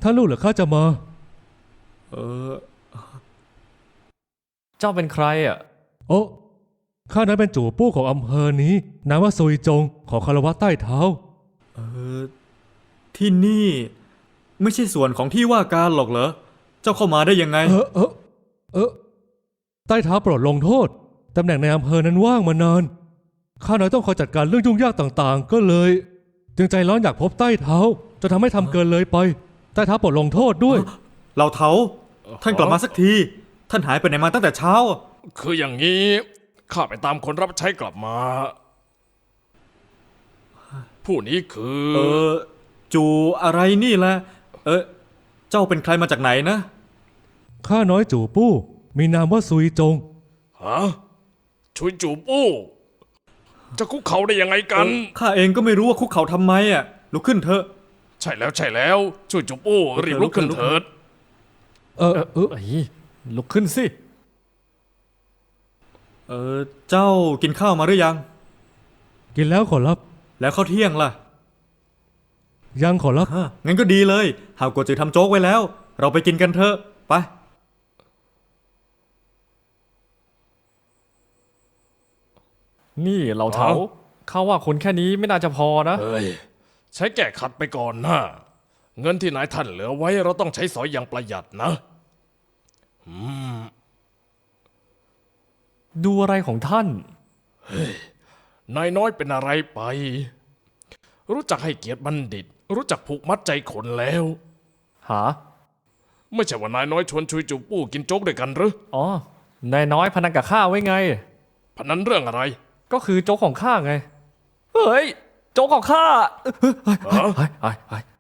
ถ้าลูกหรือข้าจะมาเออเจ้าเป็นใครอ่ะโอ้ข้านั้นเป็นจู่ปู้ของอำเภอนี้นามว่าซุยจงขอคารวะใต้เท้าที่นี่ไม่ใช่ส่วนของที่ว่าการหรอกเหรอ เจ้าเข้ามาได้ยังไงใต้เท้าโปรดลงโทษตำแหน่งในอำเภอนั้นว่างมานานข้าน้อยต้องคอยจัดการเรื่องยุ่งยากต่างๆ ก็เลย จึงใจร้อนอยากพบใต้เท้าจะทำให้ทำเกินเลยไปใต้เท้าโปรดลงโทษด้วยเราเท้า ท่านกลับมาสักที ท่านหายไปไหนมาตั้งแต่เช้าคืออย่างนี้ข้าไปตามคนรับใช้กลับมา ผู้นี้คือจูอะไรนี่แหละ เจ้าเป็นใครมาจากไหนนะข้าน้อยจู่ปู้มีนามว่าซุยจงฮะชุยจูปู้จะคุกเขาได้ยังไงกันข้าเองก็ไม่รู้ว่าคุกเข่าทำไมอ่ะ ลุกขึ้นเถอะใช่แล้วใช่แล้วชุยจูปู้รีบลุกขึ้นเถิดเอ้ยลุกขึ้นสิเจ้ากินข้าวมาหรือยังกินแล้วขอรับแล้วข้าวเที่ยงล่ะยังขอรับงั้นก็ดีเลยหากกวจือทำโจ๊กไว้แล้ว เราไปกินกันเถอะ ไปนี่เราเท้าข้าว่าคนแค่นี้ไม่น่าจะพอนะเฮ้ยใช้แก้ขัดไปก่อนนะเงินที่นายท่านเหลือไว้เราต้องใช้สอยอย่างประหยัดนะดูอะไรของท่านนายน้อยเป็นอะไรไป รู้จักให้เกียรติบัณฑิต รู้จักผูกมัดใจคนแล้วหาไม่ใช่ว่านายน้อยชวนชุยจูปู้กินโจ๊กด้วยกันหรืออ๋อ นายน้อยพนันกับข้าไว้ไงพนันเรื่องอะไรก็คือโจ๊กของข้าไง เฮ้ย โจ๊กของข้าเฮ้ย